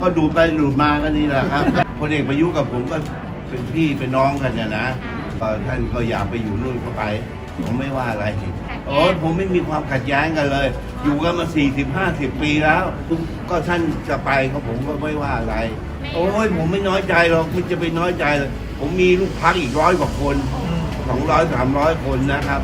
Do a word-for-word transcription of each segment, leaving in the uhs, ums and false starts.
ก็ดูไปดูมากันนี่แหละครับพลเอกประยุทธ์กับผมก็เป็นพี่เป็นน้องกันเนี่ยนะท่านก็อยากไปอยู่นู่นก็ไปผมไม่ว่าอะไรโอ้ผมไม่มีความขัดแย้งกันเลยอยู่กันมาสี่สิบห้าสิบปีแล้วก็ท่านจะไปก็ผมก็ไม่ว่าอะไรโอ้ยผมไม่น้อยใจหรอกมันจะไปน้อยใจเลยผมมีลูกพักอีกร้อยกว่าคนสองร้อยสามร้อยคนนะครับ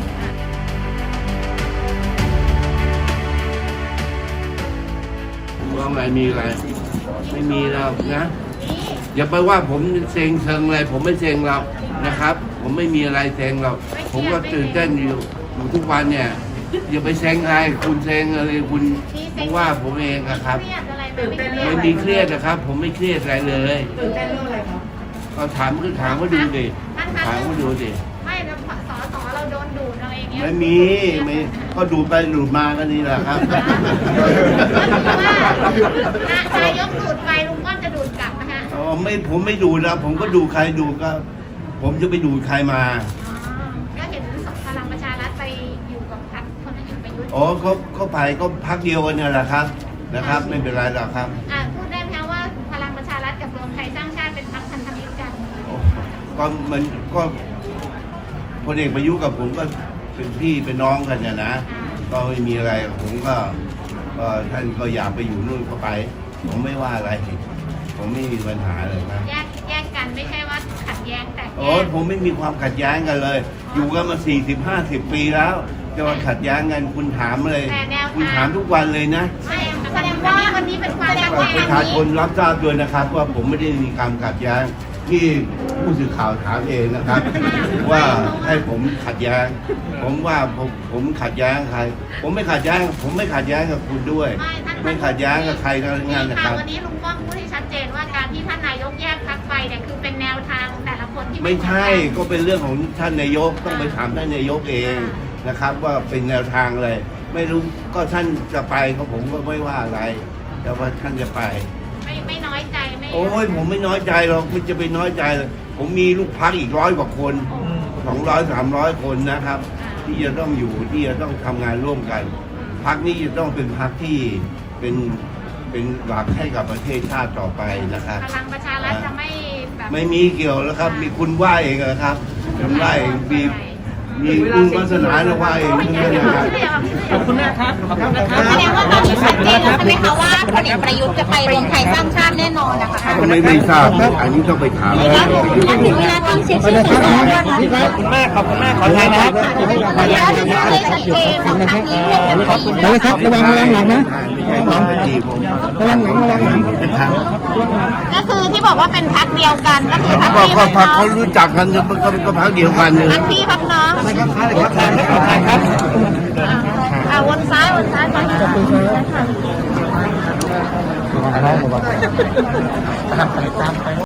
ว่าไงมีอะไรไม่มีแล้วนะอย่าไปว่าผมเซ็งเชิงอะไรผมไม่เซ็งหรอกนะครับผมไม่มีอะไรเซ็งหรอกผมก็ตื่นเต้นอยู่อยู่ทุกวันเนี่ยอย่าไปเซ็งอะไรคุณเซ็งอะไรคุณว่าผมเองนะครับไม่มีเครียดนะครับ ผมไม่เครียดอะไรเลยตื่นเต้นเรื่องอะไรครับก็ถามก็ถามว่าดูดิถามว่าดูดิไม่แล้วสอสอเราโดนดูดเราเองเนี่ยไม่มีไม่ก็ดูไปดูมากันนี่แหละครับนายกดูดไปลุงก้อนจะดูดกลับนะฮะอ๋อไม่ผมไม่ดูนะผมก็ดูใครดูก็ผมจะไปดูใครมาก็เห็นพลังประชารัฐไปอยู่กับพรรคคนเอกประยุทธ์อ๋อเขาเขาไปก็พรรคเดียวกันเนี่ยแหละครับนะครับไม่เป็นไรหรอกครับอ่าพูดได้ไหมว่าพลังประชารัฐกับรวมไทยสร้างชาติเป็นพรรคพันธมิตรกันก็มันก็พลเอกประยุทธ์กับผมก็เป็นพี่เป็นน้องกันเนี่ยนะก็ไม่มีอะไรผมก็ก็ท่านก็อยากไปอยู่นู่นก็ไปผมไม่ว่าอะไรผมไม่มีปัญหาเลยนะแยกแยกกันไม่ใช่ว่าขัดแย้งแต่โอ้ผมไม่มีความขัดแย้งกันเลยอยู่กันมาสี่สิบห้าสิบปีแล้วจะมาขัดแย้งกันคุณถามเลยคุณถามทุกวันเลยนะแสดงว่าวันนี้เป็นความขัดแย้งประชาชนรับทราบด้วยนะครับว่าผมไม่ได้มีความขัดแย้งที่ผู้สื่อข่าวถามเองนะครับว่าให้ผมขัดแย้งผมว่าผมผมขัดแย้งใครผมไม่ขัดแย้งผมไม่ขัดแย้งกับคุณด้วยไม่ขัดแย้งกับใครทั้งนั้นนะครับวันนี้ลุงป้อมพูดให้ชัดเจนว่าการที่ท่านนายกแยกพรรคไปเนี่ยคือเป็นแนวทางแต่ละคนที่ไม่ใช่ก็เป็นเรื่องของท่านนายกต้องไปถามท่านนายกเองนะครับว่าเป็นแนวทางอะไรไม่รู้ก็ท่านจะไปก็ผมก็ไม่ว่าอะไรแต่ว่าท่านจะไปไม่ไม่น้อยใจไม่โอ้ยผมไม่น้อยใจหรอกมันจะไปน้อยใจเลยผมมีลูกพักอีกร้อยกว่าคนสองร้อยสามร้อยคนนะครับที่จะต้องอยู่ที่จะต้องทำงานร่วมกันพักนี้จะต้องเป็นพักที่เป็นเป็นหลักให้กับประเทศชาติต่อไปนะครับพลังประชารัฐจะไม่แบบไม่มีเกี่ยวแล้วครับมีคุณว่าเองนะครับคุณว่าเองมีมีคุณวาสนาแล้วว่าเองขอบคุณนะครับขอบคุณนะครับแสดงว่าตอนนี้ชัดเจนแล้วใช่ไหมคะว่าพลเอกประยุทธ์จะไปรวมไทยสร้างชาติแน่นอนนะคะไม่ไม่ทราบอันนี้ต้องไปถามถึงเวลาต้องเช็คชื่อขอบคุณมากขอบคุณมากขอทายนะครับขออนุญาตเลยชัดเจนของทางนี้ขอบคุณนะครับระวังระวังหลังนะระวังหลังระวังหลังระวังหลังก็คือที่บอกว่าเป็นพรรคเดียวกันก็คือพรรคที่ก็พรรคเขารู้จักกันก็ก็พรรคเดียวกันเลยพรรคพี่พรรคน้องครับอ่าวนซ้ายวนซ้ายไปครับ